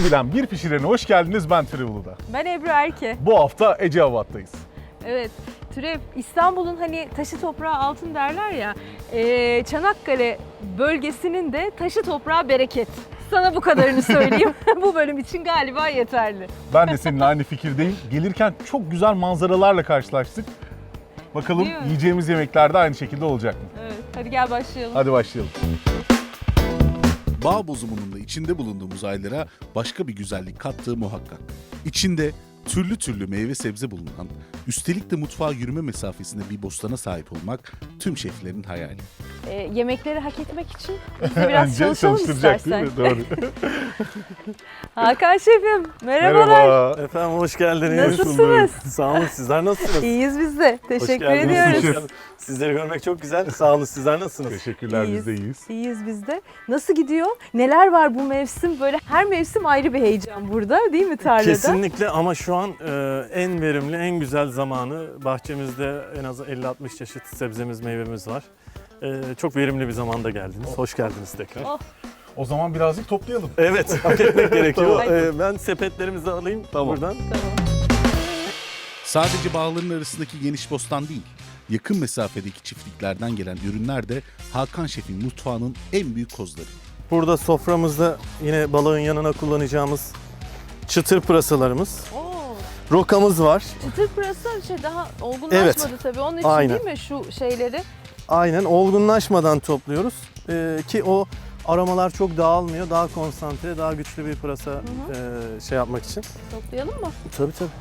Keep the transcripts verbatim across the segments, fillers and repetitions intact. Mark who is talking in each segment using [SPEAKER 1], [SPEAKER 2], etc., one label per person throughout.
[SPEAKER 1] Bir bilen bir pişirene hoş geldiniz. Ben Türev Ulu'da.
[SPEAKER 2] Ben Ebru Erke.
[SPEAKER 1] Bu hafta Eceabat'tayız.
[SPEAKER 2] Evet, Türev, İstanbul'un hani taşı toprağı altın derler ya, e, Çanakkale bölgesinin de taşı toprağı bereket. Sana bu kadarını söyleyeyim. Bu bölüm için galiba yeterli.
[SPEAKER 1] Ben de seninle aynı fikirdeyim. Gelirken çok güzel manzaralarla karşılaştık. Bakalım
[SPEAKER 2] Değil mi?
[SPEAKER 1] yiyeceğimiz yemekler de aynı şekilde olacak mı?
[SPEAKER 2] Evet, hadi gel başlayalım.
[SPEAKER 1] Hadi başlayalım.
[SPEAKER 3] Bağ bozumunun da içinde bulunduğumuz aylara başka bir güzellik kattığı muhakkak. İçinde türlü türlü meyve sebze bulunan, üstelik de mutfağa yürüme mesafesinde bir bostana sahip olmak tüm şeflerin hayali.
[SPEAKER 2] E, yemekleri hak etmek için biz de biraz
[SPEAKER 1] Önce
[SPEAKER 2] çalışalım
[SPEAKER 1] çalıştıracak
[SPEAKER 2] istersen.
[SPEAKER 1] değil mi? Doğru.
[SPEAKER 2] Hakan Şefim, merhabalar.
[SPEAKER 1] Merhaba.
[SPEAKER 4] Efendim hoş geldiniz.
[SPEAKER 2] Nasılsınız?
[SPEAKER 4] Sağ olun, sizler nasılsınız?
[SPEAKER 2] İyiyiz biz de. Teşekkür
[SPEAKER 4] Hoş geldiniz.
[SPEAKER 2] ediyoruz.
[SPEAKER 1] Teşekkür.
[SPEAKER 4] Sizleri görmek çok güzel. Sağ olun, sizler nasılsınız?
[SPEAKER 1] Teşekkürler,
[SPEAKER 2] İyiyiz.
[SPEAKER 1] biz de iyiyiz.
[SPEAKER 2] İyiyiz biz de. Nasıl gidiyor? Neler var bu mevsim? Böyle her mevsim ayrı bir heyecan burada değil mi tarlada?
[SPEAKER 4] Kesinlikle ama şu an e, en verimli, en güzel zamanı. Bahçemizde en az elli altmış çeşit sebzemiz, meyvemiz var. E, çok verimli bir zamanda geldiniz. Hoş geldiniz tekrar.
[SPEAKER 2] Oh.
[SPEAKER 1] O zaman birazcık toplayalım.
[SPEAKER 4] Evet, hak etmek gerekiyor.
[SPEAKER 2] Tamam.
[SPEAKER 4] E, ben sepetlerimizi alayım
[SPEAKER 1] Tamam.
[SPEAKER 4] buradan.
[SPEAKER 2] Tamam.
[SPEAKER 3] Sadece bağların arasındaki geniş bostan değil, yakın mesafedeki çiftliklerden gelen ürünler de Hakan Şef'in mutfağının en büyük kozları.
[SPEAKER 4] Burada soframızda yine balığın yanına kullanacağımız çıtır pırasalarımız.
[SPEAKER 2] Oo.
[SPEAKER 4] Rokamız var.
[SPEAKER 2] Çıtır pırasa şey daha olgunlaşmadı
[SPEAKER 4] Evet.
[SPEAKER 2] tabii. Onun için
[SPEAKER 4] Aynen.
[SPEAKER 2] değil mi şu şeyleri?
[SPEAKER 4] Aynen olgunlaşmadan topluyoruz ee, ki o aromalar çok dağılmıyor, daha konsantre, daha güçlü bir pırasa e, şey yapmak için.
[SPEAKER 2] Toplayalım mı?
[SPEAKER 4] Tabii tabii.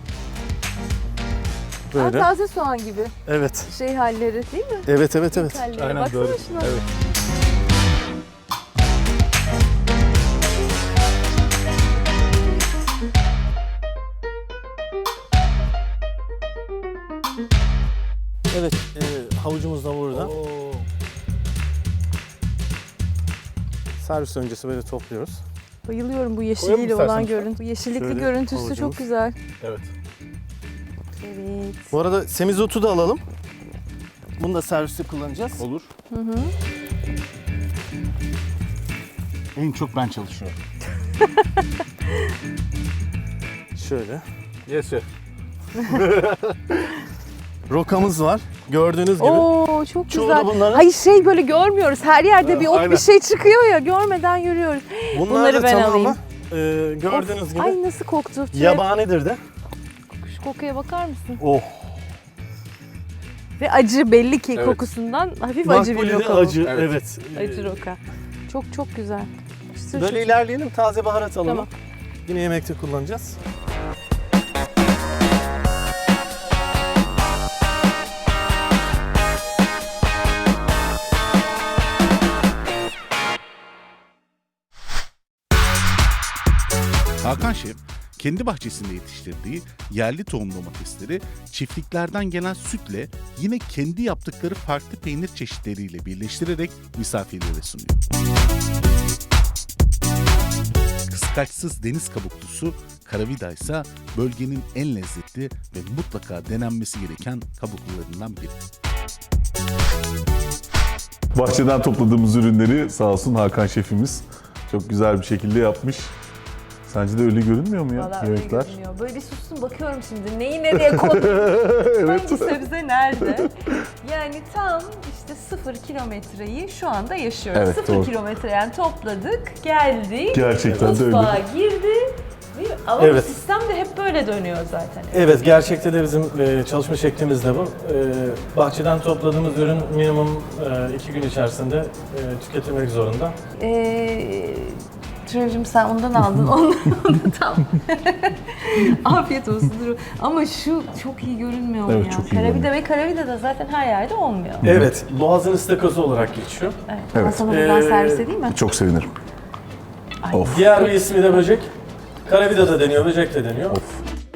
[SPEAKER 2] Aa,
[SPEAKER 4] Böyle.
[SPEAKER 2] taze soğan gibi
[SPEAKER 4] Evet.
[SPEAKER 2] şey halleri değil mi?
[SPEAKER 4] Evet evet evet.
[SPEAKER 2] Halleri.
[SPEAKER 1] Aynen
[SPEAKER 2] Baksana
[SPEAKER 1] doğru.
[SPEAKER 2] şuna.
[SPEAKER 1] Evet.
[SPEAKER 4] Evet, e, havucumuz da burada.
[SPEAKER 1] Oo.
[SPEAKER 4] Servis öncesi böyle topluyoruz.
[SPEAKER 2] Bayılıyorum bu
[SPEAKER 1] Koyalım
[SPEAKER 2] yeşiliyle
[SPEAKER 1] istersen
[SPEAKER 2] olan
[SPEAKER 1] lütfen.
[SPEAKER 2] görüntü. Bu yeşillikli
[SPEAKER 4] Şöyle
[SPEAKER 2] görüntüsü
[SPEAKER 4] havucumuz.
[SPEAKER 2] çok güzel.
[SPEAKER 1] Evet.
[SPEAKER 2] Evet.
[SPEAKER 4] Bu arada semizotu da alalım. Bunu da serviste kullanacağız.
[SPEAKER 1] Olur.
[SPEAKER 2] Hı hı.
[SPEAKER 1] En çok ben çalışıyorum.
[SPEAKER 4] Şöyle.
[SPEAKER 1] Yes chef.
[SPEAKER 4] Rokamız var. Gördüğünüz gibi.
[SPEAKER 2] Oo çok
[SPEAKER 4] Çoğu
[SPEAKER 2] güzel.
[SPEAKER 4] da bunların-
[SPEAKER 2] Hayır şey böyle görmüyoruz. Her yerde bir ot
[SPEAKER 1] Aynen.
[SPEAKER 2] bir şey çıkıyor ya görmeden yürüyoruz.
[SPEAKER 4] Bunlar
[SPEAKER 2] Bunları
[SPEAKER 4] da
[SPEAKER 2] ben
[SPEAKER 4] tamamı
[SPEAKER 2] alayım.
[SPEAKER 4] e, gördüğünüz
[SPEAKER 2] Of,
[SPEAKER 4] gibi
[SPEAKER 2] Ay nasıl koktu. Türev.
[SPEAKER 4] yabanidir de.
[SPEAKER 2] Şu kokuya bakar mısın?
[SPEAKER 4] Oh.
[SPEAKER 2] Ve acı belli ki
[SPEAKER 1] Evet.
[SPEAKER 2] kokusundan hafif acı bir
[SPEAKER 4] Makbule de
[SPEAKER 2] roka bu.
[SPEAKER 4] acı.
[SPEAKER 1] Evet.
[SPEAKER 4] Evet.
[SPEAKER 2] Acı roka. Çok çok güzel. Çıtır
[SPEAKER 4] Böyle
[SPEAKER 2] çıtır.
[SPEAKER 4] ilerleyelim. Taze baharat alalım.
[SPEAKER 2] Tamam.
[SPEAKER 4] Yine yemekte kullanacağız.
[SPEAKER 3] Hakan Şef, kendi bahçesinde yetiştirdiği yerli tohum domatesleri çiftliklerden gelen sütle yine kendi yaptıkları farklı peynir çeşitleriyle birleştirerek misafirlere sunuyor. Kıskaçsız deniz kabuklusu karavida ise bölgenin en lezzetli ve mutlaka denenmesi gereken kabuklularından biri.
[SPEAKER 1] Bahçeden topladığımız ürünleri sağ olsun Hakan şefimiz çok güzel bir şekilde yapmış. Sence de öyle görünmüyor mu ya
[SPEAKER 2] Vallahi öyle
[SPEAKER 1] yemekler?
[SPEAKER 2] görünüyor. Böyle bir sustum bakıyorum şimdi neyi nereye koydum, hangi sebze nerede? Yani tam işte sıfır kilometreyi şu anda yaşıyoruz.
[SPEAKER 1] Evet,
[SPEAKER 2] sıfır
[SPEAKER 1] doğru.
[SPEAKER 2] kilometre yani topladık, geldik,
[SPEAKER 1] Gerçekten de öyle.
[SPEAKER 2] mutfağa girdi. Değil mi? Ama
[SPEAKER 4] Evet.
[SPEAKER 2] bu sistem de hep böyle dönüyor zaten.
[SPEAKER 4] Evet, gerçekte de bizim e, çalışma şeklimiz de bu. E, bahçeden topladığımız ürün minimum e, iki gün içerisinde e, tüketilmek zorunda.
[SPEAKER 2] Ee, Türevciğim sen ondan aldın, onu, onu tam. Afiyet olsun Duru. Ama şu çok iyi görünmüyor mu
[SPEAKER 1] Evet,
[SPEAKER 2] ya?
[SPEAKER 1] çok iyi
[SPEAKER 2] Karavida
[SPEAKER 1] görünüyor.
[SPEAKER 2] ve karavida da zaten her yerde olmuyor.
[SPEAKER 4] Evet, boğazın ıstakozu olarak geçiyor.
[SPEAKER 2] Evet.
[SPEAKER 1] Evet.
[SPEAKER 2] Ben sana buradan
[SPEAKER 4] Ee,
[SPEAKER 2] servis edeyim mi?
[SPEAKER 1] Çok sevinirim.
[SPEAKER 2] Ay.
[SPEAKER 1] Of.
[SPEAKER 4] Diğer bir ismi de böcek. Karavida da deniyor, böcek de deniyor.
[SPEAKER 1] Of.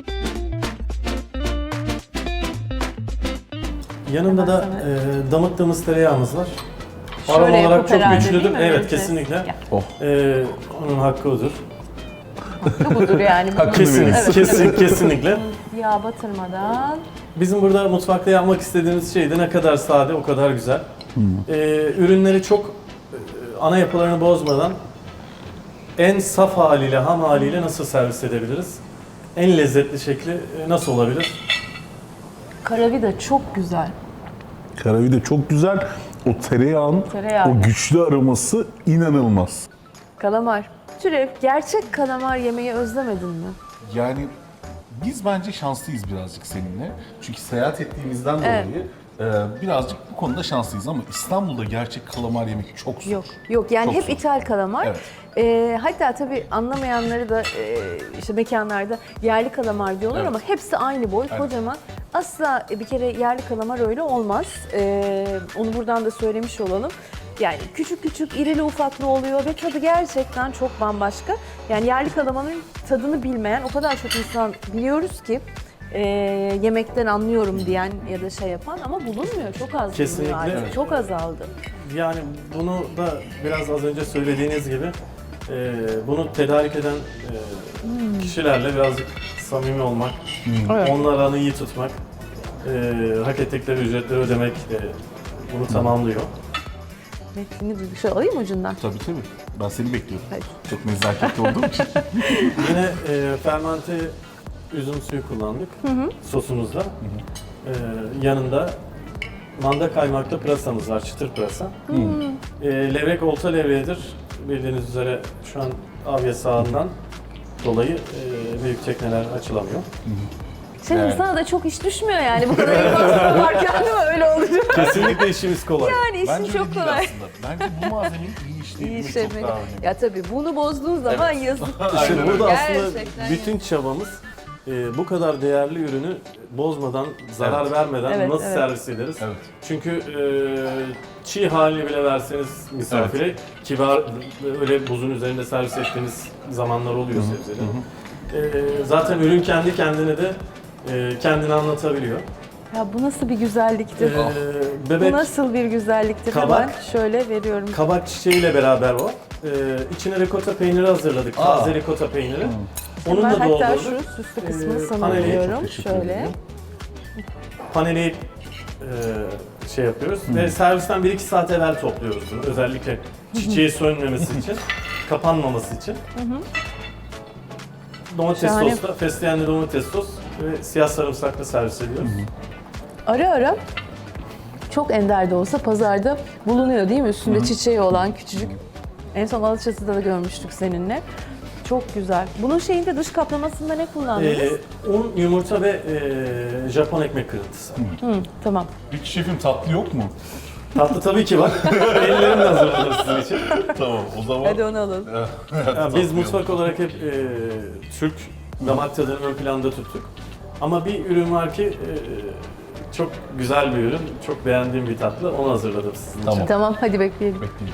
[SPEAKER 4] Yanında da
[SPEAKER 2] Hemen
[SPEAKER 4] e, damıttığımız tereyağımız var.
[SPEAKER 2] Şöyle
[SPEAKER 4] Aroma olarak
[SPEAKER 2] yapıp
[SPEAKER 4] çok
[SPEAKER 2] herhalde,
[SPEAKER 4] güçlüdür.
[SPEAKER 2] değil mi?
[SPEAKER 4] Evet,
[SPEAKER 2] Evet.
[SPEAKER 4] kesinlikle.
[SPEAKER 2] Ya.
[SPEAKER 1] Oh.
[SPEAKER 4] E, onun hakkı odur.
[SPEAKER 2] Bu budur yani. Bunun-
[SPEAKER 4] Kesin,
[SPEAKER 2] Evet,
[SPEAKER 4] kesin,
[SPEAKER 2] evet.
[SPEAKER 4] kesinlikle.
[SPEAKER 2] Yağ batırmadan.
[SPEAKER 4] Bizim burada mutfakta yapmak istediğimiz şey de ne kadar sade, o kadar güzel. Ee, ürünleri çok e, ana yapılarını bozmadan en saf haliyle, ham haliyle nasıl servis edebiliriz? En lezzetli şekli e, nasıl olabilir?
[SPEAKER 2] Karavida çok güzel.
[SPEAKER 1] Karavide çok güzel. O tereyağın,
[SPEAKER 2] Tereyağı.
[SPEAKER 1] o güçlü aroması inanılmaz.
[SPEAKER 2] Kalamar. Türev, gerçek kalamar yemeği özlemedin mi?
[SPEAKER 3] Yani biz bence şanslıyız birazcık seninle. Çünkü seyahat ettiğimizden
[SPEAKER 2] Evet.
[SPEAKER 3] dolayı e, birazcık bu konuda şanslıyız ama İstanbul'da gerçek kalamar yemek çok zor.
[SPEAKER 2] Yok. Yok yani
[SPEAKER 3] Çok
[SPEAKER 2] hep
[SPEAKER 3] zor.
[SPEAKER 2] ithal kalamar.
[SPEAKER 3] Evet.
[SPEAKER 2] Ee, hatta tabii anlamayanları da e, işte mekanlarda yerli kalamar diyorlar
[SPEAKER 3] Evet.
[SPEAKER 2] ama hepsi aynı boy,
[SPEAKER 3] Evet.
[SPEAKER 2] kocaman. Asla bir kere yerli kalamar öyle olmaz. Ee, onu buradan da söylemiş olalım. Yani küçük küçük, irili ufaklı oluyor ve tadı gerçekten çok bambaşka. Yani yerli kalamarın tadını bilmeyen o kadar çok insan biliyoruz ki e, yemekten anlıyorum diyen ya da şey yapan ama bulunmuyor. Çok az
[SPEAKER 4] Kesinlikle.
[SPEAKER 2] bulunuyor artık.
[SPEAKER 4] Evet.
[SPEAKER 2] Çok azaldı.
[SPEAKER 4] Yani bunu da biraz az önce söylediğiniz gibi e, bunu tedarik eden e, kişilerle birazcık samimi olmak,
[SPEAKER 2] Evet.
[SPEAKER 4] onların aranı iyi tutmak, e, hak ettikleri ücretleri ödemek e, bunu tamamlıyor.
[SPEAKER 2] Metnini bir şey alayım ucundan.
[SPEAKER 3] Tabii tabii. Ben seni bekliyorum.
[SPEAKER 2] Hadi.
[SPEAKER 3] Çok nezaketli olduğum için.
[SPEAKER 4] Yine e, fermente üzüm suyu kullandık sosumuzda. E, yanında manda kaymaklı pırasamız var, çıtır pırasa. E, levrek olta levreğidir. Bildiğiniz üzere şu an av yasağından dolayı e, büyük tekneler açılamıyor.
[SPEAKER 2] Senin
[SPEAKER 3] Evet.
[SPEAKER 2] sana da çok iş düşmüyor yani bu kadar informasyonu varken değil mi? Öyle olacak.
[SPEAKER 4] Kesinlikle işimiz kolay.
[SPEAKER 2] Yani işin
[SPEAKER 3] Bence
[SPEAKER 2] çok
[SPEAKER 3] öyle değil
[SPEAKER 2] kolay.
[SPEAKER 3] aslında. Bence bu malzemeyi iyi
[SPEAKER 2] İyi
[SPEAKER 3] işleyebilmek
[SPEAKER 2] şey
[SPEAKER 3] çok daha önemli.
[SPEAKER 2] Ya tabii bunu bozduğun zaman yazık.
[SPEAKER 4] Şimdi
[SPEAKER 3] Aynen
[SPEAKER 4] burada
[SPEAKER 3] öyle.
[SPEAKER 4] aslında
[SPEAKER 2] Gerçekten
[SPEAKER 4] bütün çabamız e, bu kadar değerli ürünü bozmadan, zarar
[SPEAKER 3] Evet.
[SPEAKER 4] vermeden
[SPEAKER 2] Evet,
[SPEAKER 4] nasıl
[SPEAKER 2] evet.
[SPEAKER 4] servis ederiz?
[SPEAKER 3] Evet.
[SPEAKER 4] Çünkü e, çiğ halini bile verseniz misafire, ki var öyle buzun üzerinde servis ettiğiniz zamanlar oluyor sebzeleri. E, zaten ürün kendi kendine de e, kendini anlatabiliyor.
[SPEAKER 2] Ya bu nasıl bir güzelliktir?
[SPEAKER 4] E,
[SPEAKER 2] Bu
[SPEAKER 4] bebek
[SPEAKER 2] nasıl bir güzelliktir?
[SPEAKER 4] Kabak.
[SPEAKER 2] Hemen şöyle veriyorum.
[SPEAKER 4] kabak çiçeğiyle beraber o. E, içine ricotta peyniri hazırladık,
[SPEAKER 3] Aa.
[SPEAKER 4] taze ricotta peyniri. Onu
[SPEAKER 2] Ben
[SPEAKER 4] da
[SPEAKER 2] hatta
[SPEAKER 4] doldurduk.
[SPEAKER 2] şu süslü kısmını
[SPEAKER 4] Ee,
[SPEAKER 2] sana
[SPEAKER 4] paneli-
[SPEAKER 2] veriyorum.
[SPEAKER 3] Teşekkür
[SPEAKER 2] Şöyle.
[SPEAKER 3] ederim.
[SPEAKER 4] Paneli e, şey yapıyoruz ve servisten bir iki saat evvel topluyoruz bunu. Özellikle çiçeği sönmemesi için, kapanmaması için. Domates
[SPEAKER 2] Şahane.
[SPEAKER 4] sosla, fesleğenli domates sos ve siyah sarımsakla servis ediyoruz.
[SPEAKER 2] Ara ara çok ender de olsa pazarda bulunuyor değil mi? Üstünde çiçeği olan küçücük. En son Alaçatı'da da görmüştük seninle. Çok güzel. Bunun şeyinde dış kaplamasında ne kullandınız?
[SPEAKER 4] Ee, un, yumurta ve e, Japon ekmek kırıntısı.
[SPEAKER 2] Hı, tamam.
[SPEAKER 1] Peki şefim tatlı yok mu?
[SPEAKER 4] Tatlı tabii ki var. Ellerimle hazırladım sizin için.
[SPEAKER 1] Tamam o zaman.
[SPEAKER 2] Hadi onu alalım.
[SPEAKER 4] Ya biz mutfak olarak hep e, Türk damak tadını ön planda tuttuk. Ama bir ürün var ki e, çok güzel bir ürün, çok beğendiğim bir tatlı. Onu hazırladım sizin için.
[SPEAKER 1] Tamam.
[SPEAKER 2] Tamam hadi bekleyelim.
[SPEAKER 1] Bekleyin.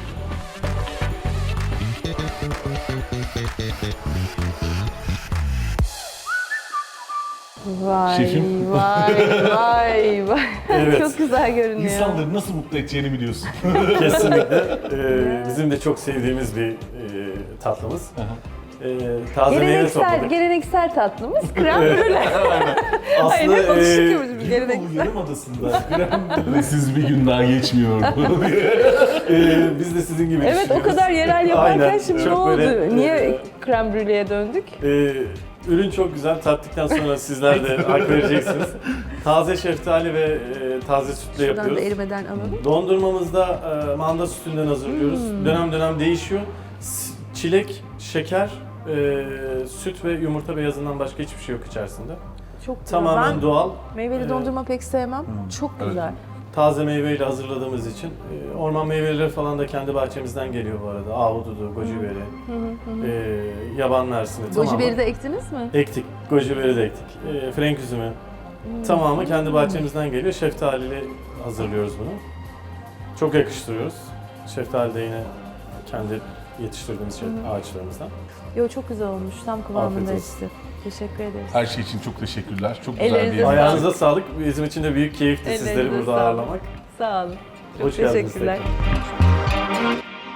[SPEAKER 2] Vay
[SPEAKER 1] Şefim.
[SPEAKER 2] vay vay vay.
[SPEAKER 4] Evet.
[SPEAKER 2] Çok güzel görünüyor.
[SPEAKER 1] İnsanları nasıl mutlu edeceğini biliyorsun.
[SPEAKER 4] Kesinlikle. E, bizim de çok sevdiğimiz bir e, tatlımız. E, taze meyve
[SPEAKER 2] Geleneksel,
[SPEAKER 4] topladık.
[SPEAKER 2] geleneksel tatlımız krem brûlée. Hayır,
[SPEAKER 4] Aslında
[SPEAKER 2] hep
[SPEAKER 4] e,
[SPEAKER 2] alışık gibi
[SPEAKER 1] Bu
[SPEAKER 2] geleneksel.
[SPEAKER 1] Yarımadası'nda ve siz bir gün daha geçmiyor.
[SPEAKER 4] e, biz de sizin gibi
[SPEAKER 2] Evet o
[SPEAKER 4] düşünüyoruz.
[SPEAKER 2] kadar yerel yaparken
[SPEAKER 4] Aynen.
[SPEAKER 2] şimdi ne
[SPEAKER 4] Çok
[SPEAKER 2] oldu?
[SPEAKER 4] böyle,
[SPEAKER 2] Niye
[SPEAKER 4] e,
[SPEAKER 2] krem brûlée'ye döndük?
[SPEAKER 4] Ee, ürün çok güzel. Tattıktan sonra sizler de hak vereceksiniz. Taze şeftali ve e, taze sütle
[SPEAKER 2] Şuradan da
[SPEAKER 4] yapıyoruz.
[SPEAKER 2] erimeden alalım.
[SPEAKER 4] Dondurmamızda e, manda sütünden hazırlıyoruz.
[SPEAKER 2] Hmm.
[SPEAKER 4] Dönem dönem değişiyor. S- Çilek, şeker, e, süt ve yumurta beyazından başka hiçbir şey yok içerisinde.
[SPEAKER 2] Çok güzel.
[SPEAKER 4] Tamamen
[SPEAKER 2] Ben
[SPEAKER 4] doğal.
[SPEAKER 2] meyveli
[SPEAKER 4] Ee,
[SPEAKER 2] dondurma pek sevmem. Çok
[SPEAKER 1] evet.
[SPEAKER 2] güzel.
[SPEAKER 4] Taze meyveyle hazırladığımız için. E, orman meyveleri falan da kendi bahçemizden geliyor bu arada. Ahududu, gojiberi, e, yaban mersini tamamen.
[SPEAKER 2] Gojiberi de ektiniz mi?
[SPEAKER 4] Ektik, gojiberi de ektik. E, frenk üzümü tamamı kendi bahçemizden geliyor. Şeftaliyle hazırlıyoruz bunu. Çok yakıştırıyoruz. Şeftali de yine kendi yetiştirdiğimiz şey, ağaçlarımızdan.
[SPEAKER 2] Yo çok güzel olmuş. Tam kıvamında
[SPEAKER 4] Afiyet olsun.
[SPEAKER 2] işte. Teşekkür ederiz.
[SPEAKER 1] Her şey için çok teşekkürler. Çok güzel
[SPEAKER 2] Ellerinize
[SPEAKER 1] bir yemek.
[SPEAKER 2] sağlık.
[SPEAKER 4] Ayağınıza sağlık. Bizim için de büyük keyifti
[SPEAKER 2] Ellerinize
[SPEAKER 4] sizleri burada
[SPEAKER 2] sağlık.
[SPEAKER 4] ağırlamak.
[SPEAKER 2] Sağ olun. Çok
[SPEAKER 4] Hoş geldiniz
[SPEAKER 2] teşekkürler.
[SPEAKER 4] tekrar.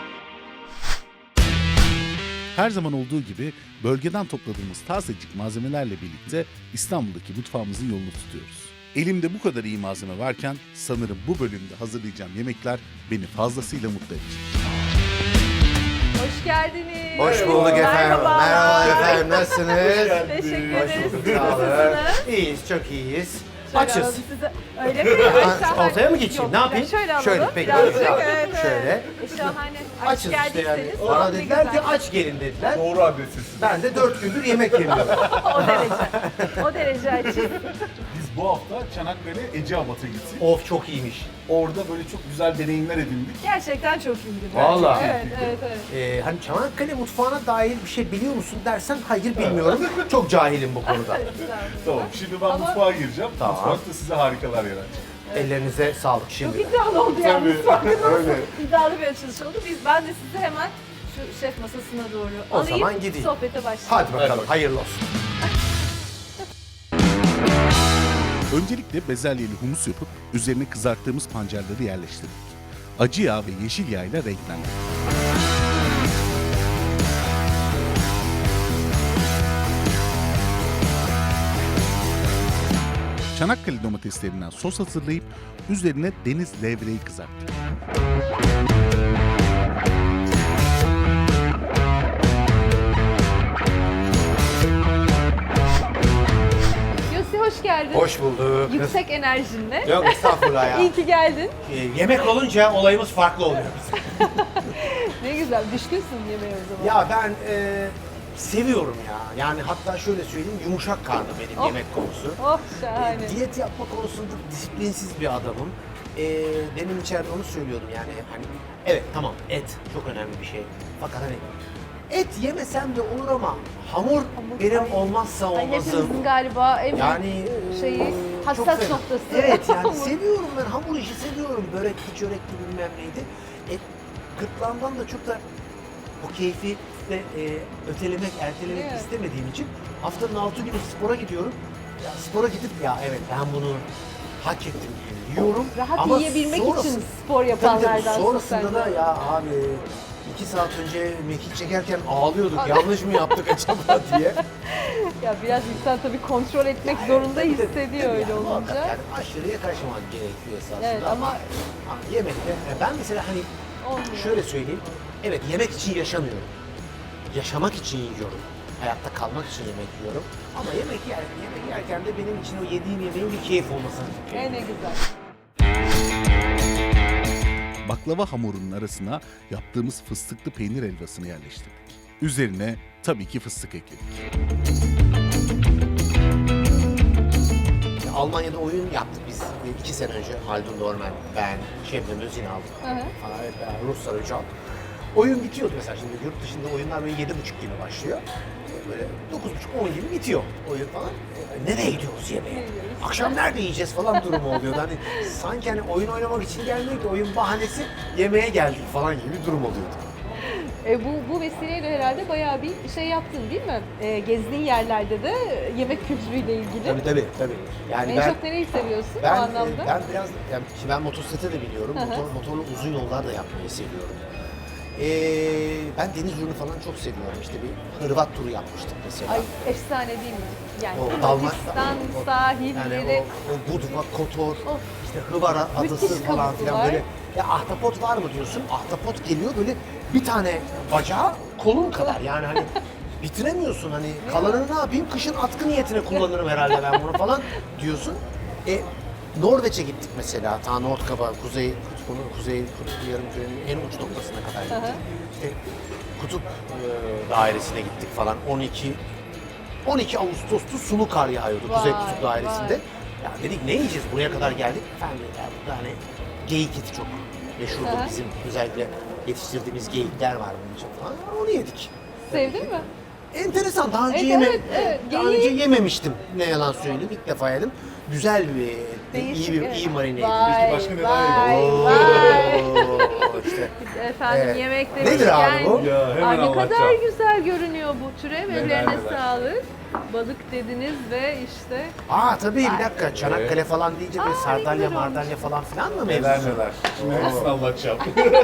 [SPEAKER 3] Her zaman olduğu gibi bölgeden topladığımız tazecik malzemelerle birlikte İstanbul'daki mutfağımızın yolunu tutuyoruz. Elimde bu kadar iyi malzeme varken sanırım bu bölümde hazırlayacağım yemekler beni fazlasıyla mutlu edecek.
[SPEAKER 2] Hoş geldiniz.
[SPEAKER 5] Hoş bulduk efendim.
[SPEAKER 2] Merhaba.
[SPEAKER 5] Merhaba efendim. Nasılsınız?
[SPEAKER 2] Teşekkür
[SPEAKER 5] Hoş
[SPEAKER 2] ederiz.
[SPEAKER 5] bulduk. Sağ olun.
[SPEAKER 2] Nasılsınız?
[SPEAKER 5] İyiyiz, çok iyiyiz.
[SPEAKER 2] Şöyle
[SPEAKER 5] Açız.
[SPEAKER 2] alalım size. Öyle mi? Ay, şahane.
[SPEAKER 5] Ortaya mı geçeyim?
[SPEAKER 2] Yok,
[SPEAKER 5] Ne yapayım?
[SPEAKER 2] Şöyle alalım.
[SPEAKER 5] Şöyle, peki.
[SPEAKER 2] Birazcık,
[SPEAKER 5] Şöyle.
[SPEAKER 2] evet, evet.
[SPEAKER 5] Şöyle.
[SPEAKER 2] E, şahane. Aç
[SPEAKER 5] Açız işte yani.
[SPEAKER 2] geldiyseniz.
[SPEAKER 5] Bana
[SPEAKER 2] ne
[SPEAKER 5] dediler ki
[SPEAKER 2] güzel.
[SPEAKER 5] aç gelin dediler.
[SPEAKER 1] Doğru adresiz.
[SPEAKER 5] Ben de dört gündür yemek yemiyorum.
[SPEAKER 2] O derece. O derece açız.
[SPEAKER 3] Biz bu hafta Çanakkale Eceabat'a gittik.
[SPEAKER 5] Of çok iyiymiş.
[SPEAKER 3] Orada böyle çok güzel deneyimler edindik.
[SPEAKER 2] Gerçekten çok iyiydi.
[SPEAKER 5] Vallahi.
[SPEAKER 2] Evet, evet, evet.
[SPEAKER 5] Ee, hani Çanakkale mutfağına dair bir şey biliyor musun dersen hayır bilmiyorum. Çok cahilim bu konuda.
[SPEAKER 3] Tamam, şimdi ben
[SPEAKER 2] Ama-
[SPEAKER 3] mutfağa gireceğim.
[SPEAKER 5] Tamam.
[SPEAKER 3] Mutfakta size harikalar yaratacağım.
[SPEAKER 5] Ellerinize sağlık
[SPEAKER 2] Çok
[SPEAKER 5] şimdi.
[SPEAKER 2] iddialı oldu yalnız. Farkında
[SPEAKER 3] öyle.
[SPEAKER 2] mısın? İddialı bir açılış oldu. Biz, ben de sizi hemen şu şef masasına doğru
[SPEAKER 5] O
[SPEAKER 2] alayım.
[SPEAKER 5] zaman gideyim.
[SPEAKER 2] Sohbete başlayalım.
[SPEAKER 5] Hadi bakalım hayırlı olsun.
[SPEAKER 3] Öncelikle bezelyeli humus yapıp üzerine kızarttığımız pancarları yerleştirdik. Acı yağ ve yeşil yağ ile renklendirdik. Çanakkale domateslerinden sos hazırlayıp üzerine deniz levreği kızarttık.
[SPEAKER 2] Yossi hoş geldin.
[SPEAKER 5] Hoş bulduk.
[SPEAKER 2] Yüksek enerjinle.
[SPEAKER 5] Yok estağfurullah ya.
[SPEAKER 2] İyi ki geldin.
[SPEAKER 5] Ee, yemek olunca olayımız farklı oluyor bizim.
[SPEAKER 2] Ne güzel. Düşkünsün yemeğe o zaman.
[SPEAKER 5] Ya ben e, seviyorum ya. Yani hatta şöyle söyleyeyim yumuşak karnı benim
[SPEAKER 2] Oh.
[SPEAKER 5] yemek konusu.
[SPEAKER 2] Oh şahane.
[SPEAKER 5] Diyet yapma konusunda disiplinsiz bir adamım. Ee, demin içeride onu söylüyordum yani hani evet tamam et çok önemli bir şey. Fakat hani et yemesem de olur ama hamur benim
[SPEAKER 2] ay.
[SPEAKER 5] olmazsa
[SPEAKER 2] Ay,
[SPEAKER 5] olmazım.
[SPEAKER 2] hepimizin galiba en
[SPEAKER 5] Yani
[SPEAKER 2] büyük şeyi
[SPEAKER 5] e, çok
[SPEAKER 2] hassas
[SPEAKER 5] fena.
[SPEAKER 2] noktası.
[SPEAKER 5] Evet yani
[SPEAKER 2] Hamur.
[SPEAKER 5] seviyorum ben hamur işi seviyorum. Börekli çörekli bilmem neydi. Et gırtlağımdan da çok da o keyfi de e, ötelemek, ertelemek
[SPEAKER 2] Evet.
[SPEAKER 5] istemediğim için haftanın altı günü spora gidiyorum. Ya spora gidip ya evet ben bunu hak ettim yiyorum.
[SPEAKER 2] Rahat
[SPEAKER 5] Ama
[SPEAKER 2] yiyebilmek
[SPEAKER 5] sonrası-
[SPEAKER 2] için spor
[SPEAKER 5] Tabii tabii,
[SPEAKER 2] yapanlardan.
[SPEAKER 5] sonrasında da ya abi iki saat önce mekik çekerken ağlıyorduk. Yanlış mı yaptık acaba diye.
[SPEAKER 2] Ya biraz insan tabii kontrol etmek zorunda hissediyor öyle
[SPEAKER 5] Yani muhakkak
[SPEAKER 2] olunca.
[SPEAKER 5] Yani aşırıya kaçmamak gerekiyor esasında.
[SPEAKER 2] Evet, ama-
[SPEAKER 5] ama yemekte e, ben mesela hani
[SPEAKER 2] Olmuyor.
[SPEAKER 5] şöyle söyleyeyim. Evet yemek için yaşamıyorum. Yaşamak için yiyorum. Hayatta kalmak için yemek yiyorum. Ama yemek yer, yemek yerken de benim için o yediğim yemeğin bir keyif olmasını
[SPEAKER 2] E ne güzel.
[SPEAKER 3] Baklava hamurunun arasına yaptığımız fıstıklı peynir helvasını yerleştirdik. Üzerine tabii ki fıstık ekledik.
[SPEAKER 5] Almanya'da oyun yaptık biz e, iki sene önce. Haldun Dorman, ben, Şebnem Özünal,
[SPEAKER 2] Hı hı.
[SPEAKER 5] falan, evet, ben, Ruslar Öcal. Oyun bitiyordu mesela şimdi yurt dışında oyunlar böyle yedi buçuk gibi başlıyor. E, Böyle dokuz buçuk on gibi bitiyor oyun falan. E, nereye gidiyoruz yemeğe? Akşam nerede yiyeceğiz falan durumu oluyordu. Hani sanki hani oyun oynamak için gelmiyor ki oyun bahanesi yemeğe geldik falan gibi bir durum oluyordu.
[SPEAKER 2] E, bu, bu vesileyle herhalde bayağı bir şey yaptın değil mi? E, gezdiğin yerlerde de yemek kültürüyle ilgili.
[SPEAKER 5] Tabii tabii tabii. Yani
[SPEAKER 2] En
[SPEAKER 5] ben
[SPEAKER 2] çok nereyi seviyorsun
[SPEAKER 5] ben,
[SPEAKER 2] o anlamda?
[SPEAKER 5] e, ben biraz yani şimdi ben motosiklete de biliyorum.
[SPEAKER 2] Hı hı.
[SPEAKER 5] Motor, motorlu uzun yollar da yapmayı seviyorum. Ee, ben deniz ürünü falan çok seviyorum. İşte bir Hırvat turu yapmıştık mesela.
[SPEAKER 2] Ay efsane değil mi? Yani
[SPEAKER 5] O Dalma-
[SPEAKER 2] Hırvatistan
[SPEAKER 5] o-
[SPEAKER 2] sahilleri.
[SPEAKER 5] Yani o, o Budva, Kotor,
[SPEAKER 2] Of.
[SPEAKER 5] işte Hıvara adası
[SPEAKER 2] Müthiş
[SPEAKER 5] falan filan
[SPEAKER 2] kavuklular.
[SPEAKER 5] böyle. Ya ahtapot var mı diyorsun? Ahtapot geliyor böyle bir tane bacağı kolun kadar. Yani hani bitiremiyorsun hani kalanını ne yapayım? Kışın atkı niyetine kullanırım herhalde ben bunu falan diyorsun. E, Norveç'e gittik mesela. Ta Nordkap'a, Kuzey Kutbu'nun, Kuzey Kutbu Yarımküre'nin en uç noktasına kadar gittik. İşte Kutup e, dairesine gittik falan. on iki on iki Ağustos'ta sulu kar yağıyordu Kuzey
[SPEAKER 2] Vay,
[SPEAKER 5] Kutup dairesinde.
[SPEAKER 2] vay.
[SPEAKER 5] Ya dedik ne yiyeceğiz? Buraya kadar geldik. Efendim ya burada hani geyik eti çok meşhurdur
[SPEAKER 2] Aha.
[SPEAKER 5] bizim. Özellikle yetiştirdiğimiz geyikler var bunun için falan. Onu yedik.
[SPEAKER 2] Sevdin mi?
[SPEAKER 5] Enteresan. Daha önce
[SPEAKER 2] Evet,
[SPEAKER 5] yeme
[SPEAKER 2] evet, evet.
[SPEAKER 5] daha
[SPEAKER 2] Geyiği-
[SPEAKER 5] önce yememiştim. Ne yalan söyleyeyim. İlk defa yedim. Güzel bir etti.
[SPEAKER 2] Değişik,
[SPEAKER 5] iyi bir
[SPEAKER 2] evet.
[SPEAKER 5] iyi marine
[SPEAKER 2] Vay,
[SPEAKER 5] edilmiş.
[SPEAKER 3] başka neler
[SPEAKER 2] vay,
[SPEAKER 5] Oo,
[SPEAKER 2] vay.
[SPEAKER 5] işte.
[SPEAKER 2] Efendim
[SPEAKER 5] Evet.
[SPEAKER 2] yemek
[SPEAKER 5] Nedir
[SPEAKER 2] demişken.
[SPEAKER 5] abi bu?
[SPEAKER 1] Ya, hemen
[SPEAKER 2] Ay, ne kadar
[SPEAKER 1] anlatacağım.
[SPEAKER 2] güzel görünüyor bu türev.
[SPEAKER 1] Neler
[SPEAKER 2] Ellerine
[SPEAKER 1] neler.
[SPEAKER 2] sağlık. Balık dediniz ve işte
[SPEAKER 5] Aa tabii bir dakika. Çanakkale falan deyince böyle
[SPEAKER 2] Aa, ne
[SPEAKER 5] sardalya
[SPEAKER 2] güzel
[SPEAKER 5] mardalya falan filan mı
[SPEAKER 1] Neler
[SPEAKER 5] mevzusu?
[SPEAKER 1] neler. Şimdi hepsini anlatacağım.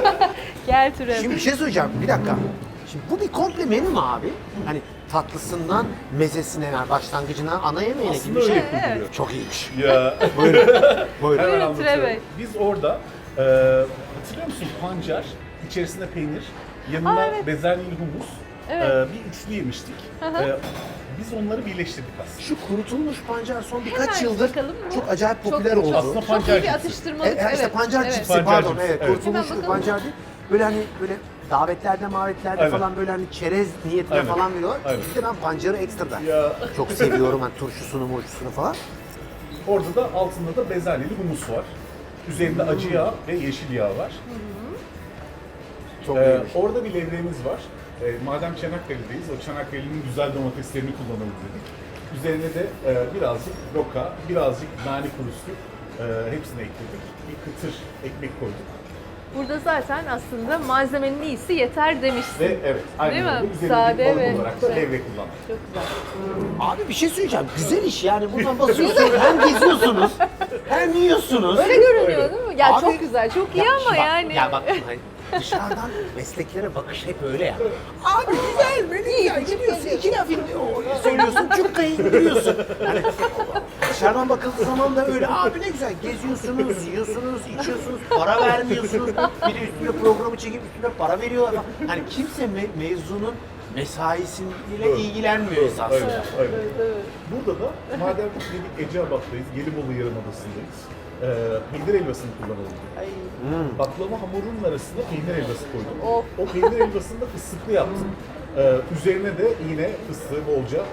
[SPEAKER 2] gel türev.
[SPEAKER 5] Şimdi bir şey söyleyeceğim. Bir dakika. Şimdi bu bir komple menü mü abi? Hani tatlısından mezesine, yani başlangıcına, ana yemeğine gibi bir şey.
[SPEAKER 1] öyle
[SPEAKER 2] Evet, evet.
[SPEAKER 5] Çok iyiymiş.
[SPEAKER 1] Ya
[SPEAKER 5] Buyurun.
[SPEAKER 1] hemen
[SPEAKER 2] Buyurun
[SPEAKER 1] anlatıyorum.
[SPEAKER 2] Tire Bey.
[SPEAKER 3] Biz orada e, hatırlıyor musun pancar, içerisinde peynir, yanında
[SPEAKER 2] Aa, evet.
[SPEAKER 3] bezelyeli humus,
[SPEAKER 2] Evet.
[SPEAKER 3] Ee, bir üçlü yemiştik. Ee, biz onları birleştirdik aslında.
[SPEAKER 5] Şu kurutulmuş pancar son birkaç
[SPEAKER 2] Hemen
[SPEAKER 5] yıldır
[SPEAKER 2] bakalım mı?
[SPEAKER 5] çok acayip
[SPEAKER 2] Çok-
[SPEAKER 5] popüler
[SPEAKER 2] çok-
[SPEAKER 5] oldu.
[SPEAKER 3] Aslında
[SPEAKER 2] Çok
[SPEAKER 3] pancar
[SPEAKER 2] iyi bir
[SPEAKER 3] cipsi.
[SPEAKER 2] atıştırmalık.
[SPEAKER 5] E, e, işte
[SPEAKER 2] evet.
[SPEAKER 5] pancar
[SPEAKER 2] evet.
[SPEAKER 5] cipsi
[SPEAKER 3] Pancar
[SPEAKER 5] pardon
[SPEAKER 3] cipsi,
[SPEAKER 5] evet,
[SPEAKER 3] evet.
[SPEAKER 5] kurutulmuş
[SPEAKER 2] Hemen
[SPEAKER 5] bir
[SPEAKER 2] bakalım.
[SPEAKER 5] pancar değil. Böyle hani böyle davetlerde mavetlerde
[SPEAKER 3] Aynen.
[SPEAKER 5] falan böyle hani çerez niyetine
[SPEAKER 3] Aynen.
[SPEAKER 5] falan veriyorlar.
[SPEAKER 3] Aynen.
[SPEAKER 5] Bir de ben pancarı ekstra da
[SPEAKER 3] Ya.
[SPEAKER 5] çok seviyorum hani turşusunu murşusunu falan.
[SPEAKER 3] Orada da altında da bezelyeli humus var. Üzerinde acı yağ ve yeşil yağ var.
[SPEAKER 5] Çok
[SPEAKER 3] Ee,
[SPEAKER 5] iyiymiş.
[SPEAKER 3] orada bir levreğimiz var. Ee, madem Çanakkale'deyiz, o Çanakkale'nin güzel domateslerini kullanalım dedik. Üzerine de e, birazcık roka, birazcık nane kurusu e, hepsini ekledik. Bir kıtır ekmek koyduk.
[SPEAKER 2] Burada zaten aslında malzemenin iyisi yeter demişsin.
[SPEAKER 3] Ve evet, aynen
[SPEAKER 2] Değil mi?
[SPEAKER 3] öyle. Üzerine
[SPEAKER 2] Sade
[SPEAKER 3] bir balık
[SPEAKER 2] ve
[SPEAKER 3] olarak da
[SPEAKER 2] şey.
[SPEAKER 3] levrek kullandık.
[SPEAKER 2] Çok güzel.
[SPEAKER 5] Abi bir şey söyleyeceğim. Güzel iş yani. Buradan basıyorsunuz. hem geziyorsunuz hem yiyorsunuz.
[SPEAKER 2] Öyle görünüyor değil mi? Ya
[SPEAKER 5] Abi-
[SPEAKER 2] çok güzel, çok iyi
[SPEAKER 5] Ya
[SPEAKER 2] ama
[SPEAKER 5] bak-
[SPEAKER 2] yani.
[SPEAKER 5] Ya bak hani dışarıdan mesleklere bakış hep öyle ya. Abi güzel beni ya gidiyorsun iki laf indi- o- söylüyorsun cukkayı indiriyorsun. Hani dışarıdan bakıldığı zaman da öyle abi ne güzel geziyorsunuz, yiyorsunuz, içiyorsunuz, para vermiyorsunuz. Bir de üstüne programı çekip üstüne para veriyorlar falan. Hani kimse me- mevzunun mesaisiyle ilgilenmiyor esasında.
[SPEAKER 3] Öyle, öyle. Burada da madem dedik Eceabat'tayız, Gelibolu Yarımadası'ndayız. E, peynir helvasını kullanalım.
[SPEAKER 2] Ay,
[SPEAKER 3] Baklava hamurunun arasına peynir helvası koydum.
[SPEAKER 2] Of.
[SPEAKER 3] O peynir helvasını da fıstıklı yaptım. Ee, üzerine de yine fıstığı bolca.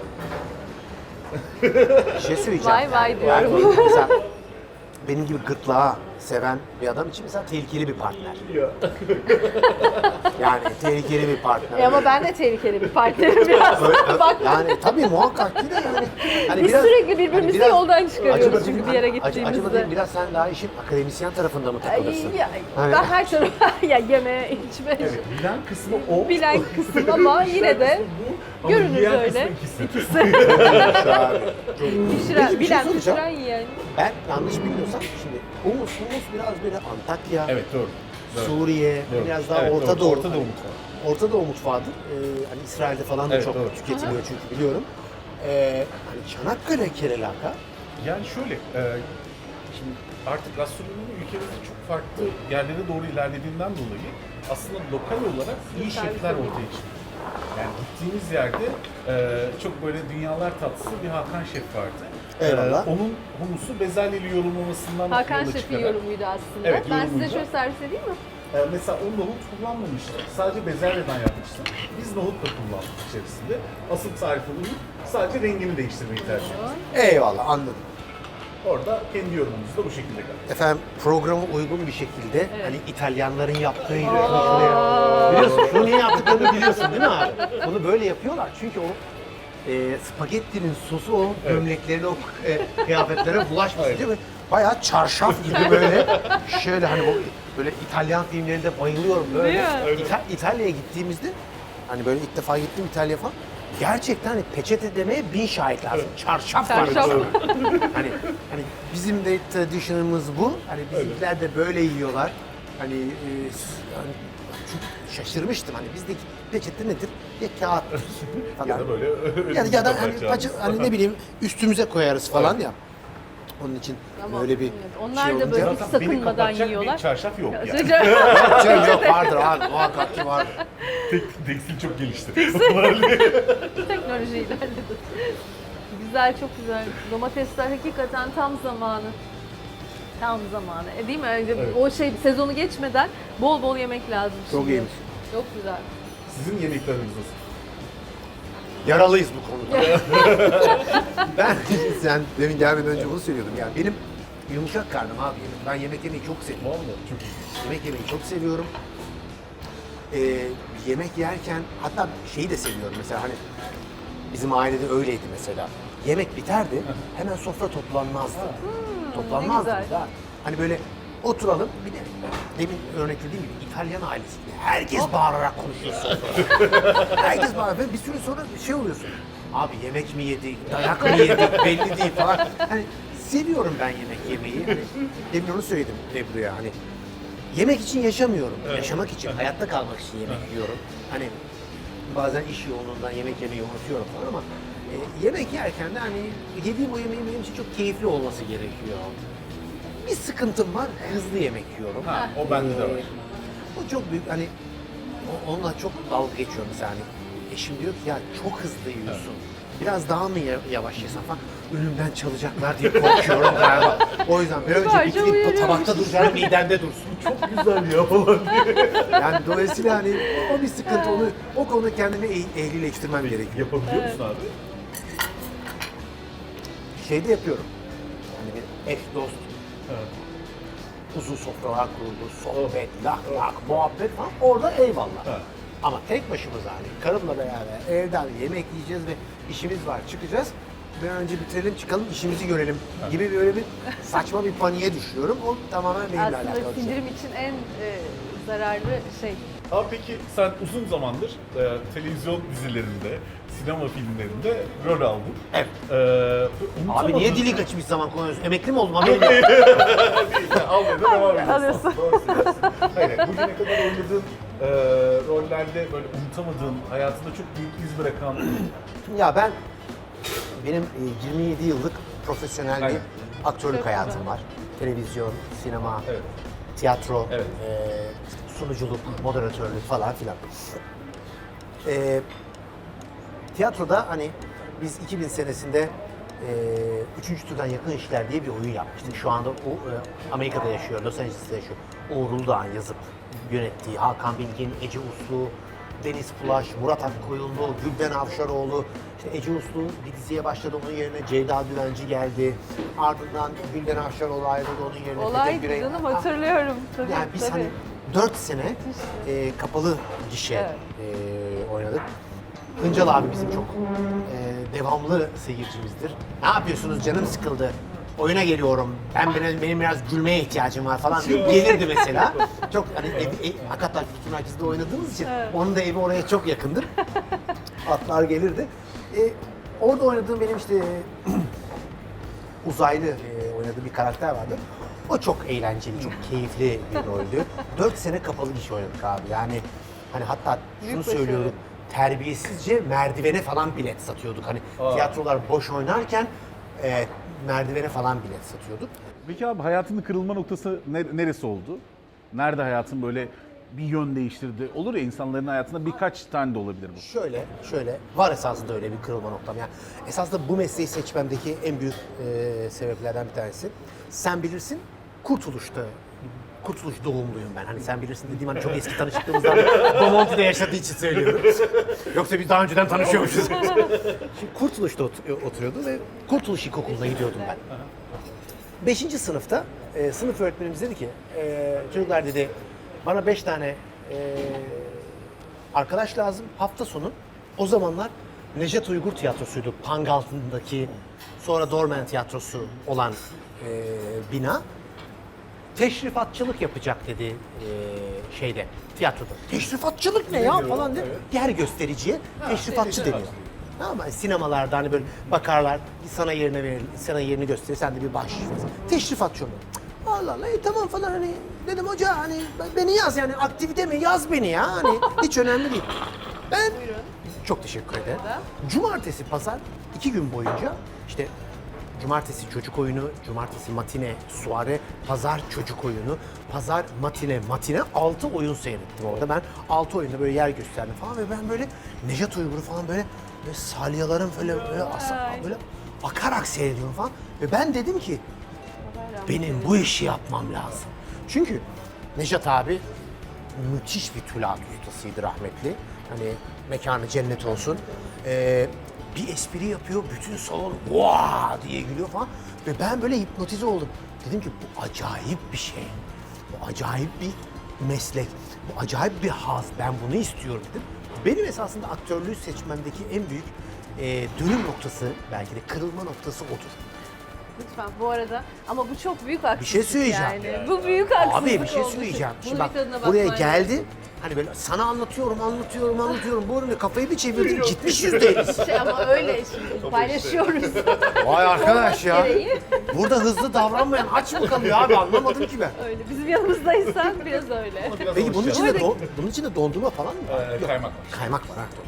[SPEAKER 5] Bir şey söyleyeceğim.
[SPEAKER 2] Vay vay
[SPEAKER 5] Yani
[SPEAKER 2] diyorum.
[SPEAKER 5] benim- mesela benim gibi gırtlağı seven bir adam için mesela tehlikeli bir partner.
[SPEAKER 3] Ya.
[SPEAKER 5] Yani tehlikeli bir partner.
[SPEAKER 2] E ama ben de tehlikeli bir partnerim biraz. Bak
[SPEAKER 5] Yani tabii muhakkak ki de yani. Hani
[SPEAKER 2] biz sürekli birbirimizi
[SPEAKER 5] hani biraz-
[SPEAKER 2] yoldan çıkarıyoruz
[SPEAKER 5] acaba
[SPEAKER 2] çünkü
[SPEAKER 5] değil,
[SPEAKER 2] bir yere
[SPEAKER 5] acı- Acaba
[SPEAKER 2] gittiğimizde.
[SPEAKER 5] değil, biraz sen daha işin akademisyen tarafında mı takılırsın?
[SPEAKER 2] Ay, ya,
[SPEAKER 5] Hani-
[SPEAKER 2] ben her tarafa ya yeme, içme,
[SPEAKER 3] Evet, bilen kısmı o.
[SPEAKER 2] bilen kısım ama yine de
[SPEAKER 3] Ama
[SPEAKER 2] görünür
[SPEAKER 3] yiyen
[SPEAKER 2] öyle.
[SPEAKER 3] kısmı ikisi.
[SPEAKER 2] pişiren,
[SPEAKER 5] Peki bir şey
[SPEAKER 2] bilen
[SPEAKER 5] soracağım.
[SPEAKER 2] pişiren yiyen.
[SPEAKER 5] Ben yanlış bilmiyorsam şimdi humus, humus biraz böyle Antakya,
[SPEAKER 3] Evet doğru. Doğru.
[SPEAKER 5] Suriye,
[SPEAKER 3] Doğru.
[SPEAKER 5] biraz daha
[SPEAKER 3] Evet,
[SPEAKER 5] Orta
[SPEAKER 3] doğru.
[SPEAKER 5] Doğu.
[SPEAKER 3] Orta Doğu mutfağı.
[SPEAKER 5] Orta Doğu mutfağıdır. Ee, hani İsrail'de falan da
[SPEAKER 3] Evet,
[SPEAKER 5] çok
[SPEAKER 3] doğru.
[SPEAKER 5] tüketiliyor çünkü biliyorum. Ee, hani Çanakkale kerelaka.
[SPEAKER 3] Yani şöyle, e, şimdi artık gastronomi ülkemizde çok farklı yerlere doğru ilerlediğinden dolayı aslında lokal olarak iyi şefler ortaya çıkıyor. Yani gittiğimiz yerde e, çok böyle dünyalar tatlısı bir Hakan Şef vardı.
[SPEAKER 5] Eyvallah.
[SPEAKER 3] E, onun humusu bezelyeli yorumlamasından
[SPEAKER 2] Hakan
[SPEAKER 3] yola
[SPEAKER 2] Şef'in
[SPEAKER 3] çıkarak-
[SPEAKER 2] yorumuydu aslında.
[SPEAKER 3] Evet,
[SPEAKER 2] ben size
[SPEAKER 3] yorumuydu.
[SPEAKER 2] şöyle servis edeyim mi?
[SPEAKER 3] Ee, mesela o nohut kullanmamıştı. Sadece bezelyeden yapmıştı. Biz nohut da kullandık içerisinde. Asıl tarif oluyor. Sadece rengini değiştirmeyi tercih ettik.
[SPEAKER 5] Eyvallah anladım.
[SPEAKER 3] Orada kendi yorumumuzu da bu şekilde geldi.
[SPEAKER 5] Efendim programa uygun bir şekilde hani İtalyanların yaptığı gibi
[SPEAKER 2] Aa.
[SPEAKER 5] şuraya biliyorsun şunu niye yaptıklarını biliyorsun değil mi abi? Bunu böyle yapıyorlar çünkü o e, spagettinin sosu o gömleklerine o e, kıyafetlere bulaşmasın
[SPEAKER 3] Aynen.
[SPEAKER 5] değil mi? Bayağı çarşaf gibi böyle şöyle hani bu böyle İtalyan filmlerinde bayılıyorum böyle.
[SPEAKER 2] Değil mi?
[SPEAKER 5] İta- İtalya'ya gittiğimizde hani böyle ilk defa gittim İtalya falan. Gerçekten hani peçete demeye bin şahit lazım. Çarşaf var.
[SPEAKER 2] Çarşaf.
[SPEAKER 5] hani hani bizim de tradition'ımız bu. Hani bizimkiler de böyle yiyorlar. Hani e, yani çok şaşırmıştım hani bizdeki peçete nedir? Ya kağıt falan.
[SPEAKER 3] Ya da böyle
[SPEAKER 5] ya, ya da hani,
[SPEAKER 3] kapatacağımız.
[SPEAKER 5] paça- hani ne bileyim üstümüze koyarız falan ya. Onun için
[SPEAKER 2] Ama
[SPEAKER 5] böyle bir
[SPEAKER 2] evet, onlar
[SPEAKER 5] şey
[SPEAKER 2] da
[SPEAKER 5] olunca...
[SPEAKER 2] böyle
[SPEAKER 3] Zaten beni
[SPEAKER 2] sakınmadan
[SPEAKER 3] kapatacak
[SPEAKER 2] yiyorlar.
[SPEAKER 3] bir çarşaf yok yani.
[SPEAKER 2] Sıcak.
[SPEAKER 5] Canım yok vardır abi muhakkak ki vardır.
[SPEAKER 3] Tek, tekstil çok gelişti.
[SPEAKER 2] Teknoloji ilerledi. Güzel, çok güzel. Domatesler hakikaten tam zamanı. Tam zamanı. E, değil mi? Önce
[SPEAKER 3] Evet.
[SPEAKER 2] o şey sezonu geçmeden bol bol yemek lazım.
[SPEAKER 5] Çok
[SPEAKER 2] şimdi.
[SPEAKER 5] iyiymiş.
[SPEAKER 2] Çok güzel.
[SPEAKER 3] Sizin yemekleriniz nasıl?
[SPEAKER 5] Yaralıyız bu konuda. ben sen demin gelmeden önce bunu söylüyordum yani benim yumuşak karnım abi. Ben yemek yemeyi çok seviyorum.
[SPEAKER 3] Vallahi çok iyi.
[SPEAKER 5] Yemek yemeyi çok seviyorum. Ee, yemek yerken hatta şeyi de seviyorum mesela hani bizim ailede öyleydi mesela. Yemek biterdi hemen sofra toplanmazdı. Toplanmazdı
[SPEAKER 2] ne güzel.
[SPEAKER 5] biz ha. Hani böyle oturalım bir de demin örneklediğim gibi İtalyan ailesi gibi herkes bağırarak konuşuyor sofrada. Herkes bağırarak ve bir süre sonra şey oluyorsun. Abi yemek mi yedik, dayak mı yedik belli değil falan. Hani seviyorum ben yemek yemeyi. Hani, demin onu söyledim Ebru'ya hani. Yemek için yaşamıyorum. Yaşamak için, hayatta kalmak için yemek yiyorum. Hani bazen iş yoğunluğundan yemek yemeyi unutuyorum falan ama e, yemek yerken de hani yediğim o yemeğin benim için çok keyifli olması gerekiyor. Bir sıkıntım var, hızlı yemek yiyorum.
[SPEAKER 3] Ha, o bende de var.
[SPEAKER 5] O çok büyük hani o- onunla çok dalga geçiyorum mesela hani eşim diyor ki ya çok hızlı yiyorsun. Biraz daha mı ya- yavaş yesen falan. Önümden çalacaklar diye korkuyorum galiba. O yüzden bir önce
[SPEAKER 2] Kibarca
[SPEAKER 5] bitirip bu
[SPEAKER 2] uyarıyormuş.
[SPEAKER 5] tabakta duracağım midemde dursun. Çok güzel ya falan diye. Yani dolayısıyla hani o bir sıkıntı. Onu, o konuda kendimi eh- ehlileştirmem gerekiyor.
[SPEAKER 1] Yapabiliyor musun abi?
[SPEAKER 5] Şeyde yapıyorum. Yani bir eş dost. Uzun sofralar kuruldu, sohbet, lak lak, muhabbet falan. Orada eyvallah.
[SPEAKER 1] Evet.
[SPEAKER 5] Ama tek başımıza hani karımla beraber evden yemek yiyeceğiz ve işimiz var, çıkacağız. Bir an önce bitirelim, çıkalım, işimizi görelim gibi böyle bir saçma bir paniğe düşüyorum. O tamamen benimle alakalı
[SPEAKER 2] Aslında
[SPEAKER 5] bir şey.
[SPEAKER 2] sindirim için en e, zararlı şey.
[SPEAKER 1] Abi peki sen uzun zamandır e, televizyon dizilerinde, sinema filmlerinde rol aldın.
[SPEAKER 5] Evet.
[SPEAKER 1] E,
[SPEAKER 5] Abi niye dili kaçmış zaman konuşuyorsun? Emekli mi oldum haberin yok.
[SPEAKER 1] Almaya da devam ediyorsun.
[SPEAKER 2] Alıyorsun.
[SPEAKER 1] Doğru söylüyorsun. Hayır, bugüne kadar oynadığın e, rollerde böyle unutamadığın, hayatında çok büyük iz bırakan...
[SPEAKER 5] Ya ben, benim e, yirmi yedi yıllık profesyonel bir
[SPEAKER 1] Aynen.
[SPEAKER 5] aktörlük
[SPEAKER 2] Çok
[SPEAKER 5] hayatım
[SPEAKER 2] güzel.
[SPEAKER 5] var. Televizyon, sinema,
[SPEAKER 1] Evet.
[SPEAKER 5] tiyatro,
[SPEAKER 1] Evet.
[SPEAKER 5] e, sunuculuk, moderatörlük falan filan. E, tiyatroda hani biz iki bin senesinde e, Üçüncü Türden Yakın İşler diye bir oyun yapmıştık. Şu anda o e, Amerika'da yaşıyor, Los Angeles'ta yaşıyor. Uğur Uludağ'ın yazıp yönettiği, Hakan Bilgin, Ece Uslu, Deniz Pulaş, Murat Akkoyunlu, Gülden Avşaroğlu. İşte Ece Uslu bir diziye başladı, onun yerine Ceyda Düvenci geldi. Ardından Gülden Avşaroğlu ayrıldı, onun yerine
[SPEAKER 2] Olay
[SPEAKER 5] Petek Birey.
[SPEAKER 2] canım hatırlıyorum. Tabii,
[SPEAKER 5] Yani biz
[SPEAKER 2] tabii.
[SPEAKER 5] hani dört sene e, kapalı gişe
[SPEAKER 2] Evet.
[SPEAKER 5] e, oynadık. Hıncal abi bizim çok e, devamlı seyircimizdir. Ne yapıyorsunuz, canım sıkıldı, oyuna geliyorum, ben benim, benim biraz gülmeye ihtiyacım var falan deyip gelirdi mesela. Çok hani ev, ev, Akatlar Kültür Merkezi'nde oynadığımız için
[SPEAKER 2] Evet.
[SPEAKER 5] onun da evi oraya çok yakındır. Atlar gelirdi. E, orada oynadığım benim işte uzaylı e, oynadığı bir karakter vardı. O çok eğlenceli, çok keyifli bir roldü. Dört sene kapalı gişe oynadık abi. Yani hani hatta şunu
[SPEAKER 2] Büyük başarı.
[SPEAKER 5] söylüyorum. Terbiyesizce merdivene falan bilet satıyorduk. Hani
[SPEAKER 1] Aa.
[SPEAKER 5] tiyatrolar boş oynarken e, merdivene falan bilet satıyorduk.
[SPEAKER 1] Peki abi hayatının kırılma noktası ne- neresi oldu? Nerede hayatın böyle bir yön değiştirdi? Olur ya, insanların hayatında birkaç tane de olabilir bu.
[SPEAKER 5] Şöyle, şöyle var esasında öyle bir kırılma noktam. Yani esasında bu mesleği seçmemdeki en büyük e, sebeplerden bir tanesi. Sen bilirsin, Kurtuluş'ta, Kurtuluş doğumluyum ben. Hani sen bilirsin dediğim hani çok eski tanıştığımızdan Bomonti'de yaşadığı için söylüyorum. Yoksa biz daha önceden tanışıyormuşuz. Şimdi Kurtuluş'ta ot- oturuyordu ve Kurtuluş İlkokulu'na gidiyordum ben. Beşinci sınıfta e, sınıf öğretmenimiz dedi ki, e, çocuklar dedi, bana beş tane e, arkadaş lazım hafta sonu. O zamanlar Nejat Uygur Tiyatrosu'ydu. Pangaltı'ndaki, sonra Dormen Tiyatrosu olan e, bina. Teşrifatçılık yapacak dedi e, şeyde, tiyatroda. Teşrifatçılık ne ya falan diye. Yer göstericiye teşrifatçı deniyor. Ama sinemalarda hani böyle bakarlar, sana yerine verir, sana yerini gösterir, sen de bir bahşiş verirsin. Teşrifatçı olur. Allah Allah, iyi tamam falan hani dedim hoca hani beni yaz yani aktivite mi yaz beni ya hani hiç önemli değil. Ben çok teşekkür ederim. Cumartesi, pazar iki gün boyunca işte cumartesi çocuk oyunu, cumartesi matine, suare, pazar çocuk oyunu, pazar matine, matine altı oyun seyrettim orada. Ben altı oyunda böyle yer gösterdim falan ve ben böyle Nejat Uygur'u falan böyle, böyle salyalarım böyle böyle, asa, böyle akarak seyrediyorum falan. Ve ben dedim ki benim bu işi yapmam lazım. Çünkü Nejat abi müthiş bir tülat ustasıydı rahmetli. Hani mekanı cennet olsun. Ee, bir espri yapıyor, bütün salon vaa diye gülüyor falan. Ve ben böyle hipnotize oldum. Dedim ki bu acayip bir şey. Bu acayip bir meslek. Bu acayip bir haz. Ben bunu istiyorum dedim. Benim esasında aktörlüğü seçmemdeki en büyük e, dönüm noktası, belki de kırılma noktası odur.
[SPEAKER 2] Lütfen bu arada ama bu çok büyük haksızlık.
[SPEAKER 5] Bir şey söyleyeceğim.
[SPEAKER 2] Yani. Bu büyük haksızlık
[SPEAKER 5] Abi bir şey
[SPEAKER 2] olmuş.
[SPEAKER 5] söyleyeceğim.
[SPEAKER 2] Bunun
[SPEAKER 5] Şimdi bak
[SPEAKER 2] bir tadına
[SPEAKER 5] buraya
[SPEAKER 2] bakman
[SPEAKER 5] geldi.
[SPEAKER 2] lazım.
[SPEAKER 5] Hani böyle sana anlatıyorum, anlatıyorum, anlatıyorum. Bu arada kafayı bir çevirdim. Gitmiş yüzde elli.
[SPEAKER 2] Şey ama öyle şimdi paylaşıyoruz.
[SPEAKER 5] Vay arkadaş ya.
[SPEAKER 2] Gereği.
[SPEAKER 5] Burada hızlı davranmayan aç mı kalıyor abi? Anlamadım ki ben.
[SPEAKER 2] Öyle bizim yanımızdaysan biraz öyle.
[SPEAKER 5] Peki bunun içinde, don, bunun içinde dondurma falan mı var?
[SPEAKER 1] Ee,
[SPEAKER 5] Yok.
[SPEAKER 1] kaymak var.
[SPEAKER 5] Kaymak var ha.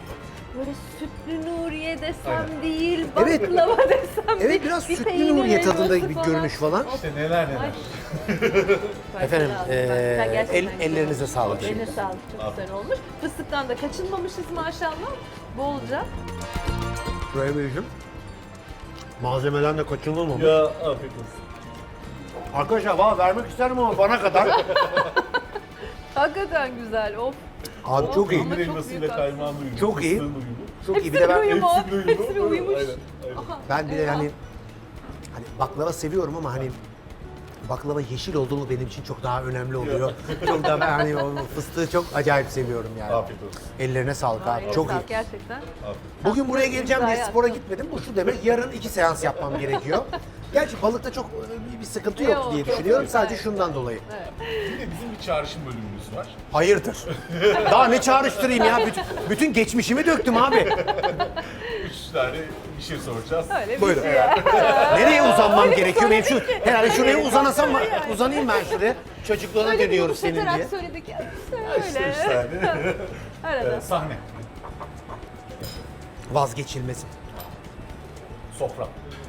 [SPEAKER 2] böyle sütlü Nuriye desem
[SPEAKER 1] Aynen.
[SPEAKER 2] değil,
[SPEAKER 5] Evet.
[SPEAKER 2] baklava desem
[SPEAKER 5] Evet
[SPEAKER 2] değil.
[SPEAKER 5] biraz
[SPEAKER 2] bir
[SPEAKER 5] sütlü
[SPEAKER 2] peynir
[SPEAKER 5] Nuriye tadında
[SPEAKER 2] helvası
[SPEAKER 5] bir
[SPEAKER 2] falan.
[SPEAKER 5] görünüş falan.
[SPEAKER 1] İşte neler neler.
[SPEAKER 2] Ay.
[SPEAKER 5] Efendim
[SPEAKER 2] Bak,
[SPEAKER 5] eee,
[SPEAKER 2] bak, gerçekten
[SPEAKER 5] el,
[SPEAKER 2] güzel
[SPEAKER 5] ellerinize
[SPEAKER 2] olmuş.
[SPEAKER 5] sağlık.
[SPEAKER 2] Eline sağlık, çok güzel olmuş. Fıstıktan da kaçınmamışız maşallah. Bolca.
[SPEAKER 5] Buraya Beyciğim. Malzemeden de kaçınılmamış.
[SPEAKER 1] Ya afiyet olsun.
[SPEAKER 5] Arkadaşlar valla vermek isterim ama bana kadar.
[SPEAKER 2] Hakikaten güzel, of.
[SPEAKER 5] Abi çok iyi.
[SPEAKER 2] Ama
[SPEAKER 1] Peynir
[SPEAKER 2] çok
[SPEAKER 1] elmasıyla
[SPEAKER 2] büyük
[SPEAKER 1] kaymağın uyumu.
[SPEAKER 5] Çok iyi.
[SPEAKER 1] fıstığın uyumu.
[SPEAKER 5] Çok iyi. Bir de ben,
[SPEAKER 2] uyumu,
[SPEAKER 1] Hepsinin uyumu.
[SPEAKER 2] hepsine uyumuş.
[SPEAKER 1] Aynen, aynen.
[SPEAKER 5] ben bir de hani hani baklava seviyorum ama hani baklava yeşil oldu mu benim için çok daha önemli oluyor. çok daha ben hani o fıstığı çok acayip seviyorum yani.
[SPEAKER 1] Afiyet olsun.
[SPEAKER 5] Ellerine sağlık abi.
[SPEAKER 2] Ay,
[SPEAKER 5] Çok
[SPEAKER 2] sağ ol,
[SPEAKER 5] iyi.
[SPEAKER 2] Gerçekten.
[SPEAKER 5] Bugün buraya geleceğim diye
[SPEAKER 2] Güzel
[SPEAKER 5] spora
[SPEAKER 2] yaptın.
[SPEAKER 5] gitmedim. Bu şu demek yarın iki seans yapmam gerekiyor. Gerçi balıkta çok e, bir sıkıntı yok
[SPEAKER 2] Yok,
[SPEAKER 5] diye
[SPEAKER 2] yok,
[SPEAKER 5] düşünüyorum.
[SPEAKER 2] yok.
[SPEAKER 5] Sadece
[SPEAKER 2] Evet.
[SPEAKER 5] şundan dolayı.
[SPEAKER 1] Bir de bizim bir çağrışım bölümümüz var.
[SPEAKER 5] Hayırdır? Daha ne çağrıştırayım ya? Bütün, bütün geçmişimi döktüm abi.
[SPEAKER 1] Üç tane bir şey soracağız.
[SPEAKER 2] Öyle bir
[SPEAKER 5] Buyurun.
[SPEAKER 2] şey ya.
[SPEAKER 5] Nereye uzanmam gerekiyor? Benim şu, herhalde şuraya uzanasam mı? Uzanayım ben şuraya. Çocukluğuna
[SPEAKER 2] Öyle bir
[SPEAKER 5] dönüyoruz senin
[SPEAKER 2] yumuşatarak
[SPEAKER 5] diye.
[SPEAKER 2] söyledik.
[SPEAKER 1] İşte üç
[SPEAKER 2] Öyle.
[SPEAKER 1] tane.
[SPEAKER 2] Arada.
[SPEAKER 1] Ee, sahne.
[SPEAKER 5] Vazgeçilmezim.
[SPEAKER 1] Sofra.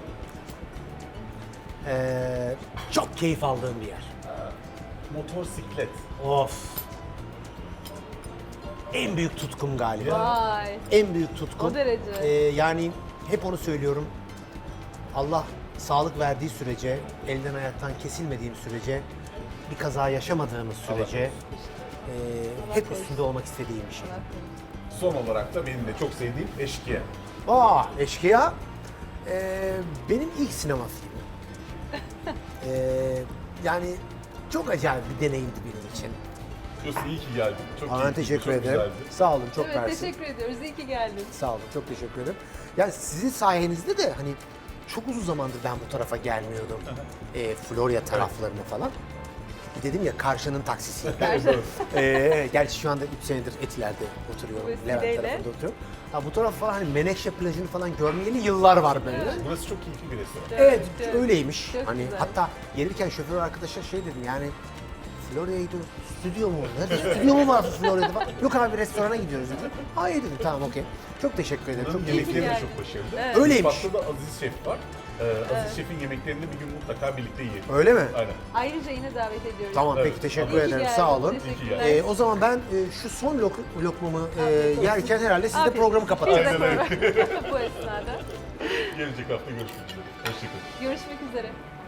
[SPEAKER 5] Ee, çok keyif aldığım bir yer.
[SPEAKER 1] Motorsiklet.
[SPEAKER 5] Of. En büyük tutkum galiba.
[SPEAKER 2] Vay.
[SPEAKER 5] En büyük tutkum.
[SPEAKER 2] O derece.
[SPEAKER 5] Ee, yani hep onu söylüyorum. Allah sağlık verdiği sürece, elden ayaktan kesilmediğim sürece, bir kaza yaşamadığımız sürece e, hep üstünde olmak istediğim bir şey.
[SPEAKER 1] Son olarak da benim de çok sevdiğim Eşkıya.
[SPEAKER 5] Aa, Eşkıya ee, benim ilk sinema filmim. Ee, yani çok acayip bir deneyimdi benim için.
[SPEAKER 1] Yusuf iyi ki geldin. Çok
[SPEAKER 5] Aa,
[SPEAKER 1] keyifliydi,
[SPEAKER 5] teşekkür
[SPEAKER 1] çok
[SPEAKER 5] ederim.
[SPEAKER 1] güzeldi.
[SPEAKER 5] Sağ olun, çok
[SPEAKER 2] Evet,
[SPEAKER 5] mersi.
[SPEAKER 2] teşekkür ediyoruz. İyi ki geldin.
[SPEAKER 5] Sağ olun, çok teşekkür ederim. Yani sizin sayenizde de hani çok uzun zamandır ben bu tarafa gelmiyordum. e, Florya taraflarına falan. Dedim ya karşının taksisiyim ben. e, gerçi şu anda üç senedir Etiler'de oturuyorum. Levent
[SPEAKER 2] Vesileyle.
[SPEAKER 5] tarafında oturuyorum. Ha, bu taraf falan hani Menekşe plajını falan görmeyeli yıllar var böyle.
[SPEAKER 1] Burası çok keyifli bir restoran.
[SPEAKER 5] Evet,
[SPEAKER 2] Evet,
[SPEAKER 5] öyleymiş.
[SPEAKER 2] çok
[SPEAKER 5] hani
[SPEAKER 2] güzel.
[SPEAKER 5] hatta gelirken şoför arkadaşa şey dedim yani Florya'ya gidiyoruz. Stüdyo mu? Nerede stüdyo mu var Florya'da falan? Yok abi restorana gidiyoruz dedi. Hayır dedim tamam okey. Çok teşekkür ederim.
[SPEAKER 1] Buranın
[SPEAKER 5] Çok keyifli.
[SPEAKER 1] yemekleri de
[SPEAKER 2] yani.
[SPEAKER 1] çok başarılı.
[SPEAKER 2] Evet.
[SPEAKER 5] Öyleymiş.
[SPEAKER 1] Mutfakta da Aziz Şef var. Ee, Aziz Şef'in yemeklerini bir gün mutlaka birlikte yiyelim.
[SPEAKER 5] Öyle mi?
[SPEAKER 1] Aynen.
[SPEAKER 2] Ayrıca yine davet ediyoruz.
[SPEAKER 5] Tamam
[SPEAKER 1] Evet.
[SPEAKER 5] peki teşekkür
[SPEAKER 2] İyi ki
[SPEAKER 5] ederim.
[SPEAKER 2] geldin,
[SPEAKER 5] Sağ olun.
[SPEAKER 2] teşekkürler.
[SPEAKER 5] Ee, o zaman ben e, şu son lok- lokmamı e,
[SPEAKER 2] Afiyet olsun.
[SPEAKER 5] yerken herhalde siz de
[SPEAKER 2] Afiyet
[SPEAKER 5] programı
[SPEAKER 2] olsun.
[SPEAKER 5] kapatacağız.
[SPEAKER 2] Biz de program- Bu esnada.
[SPEAKER 1] Gelecek hafta görüşmek üzere. Hoşçakalın.
[SPEAKER 2] Görüşmek üzere.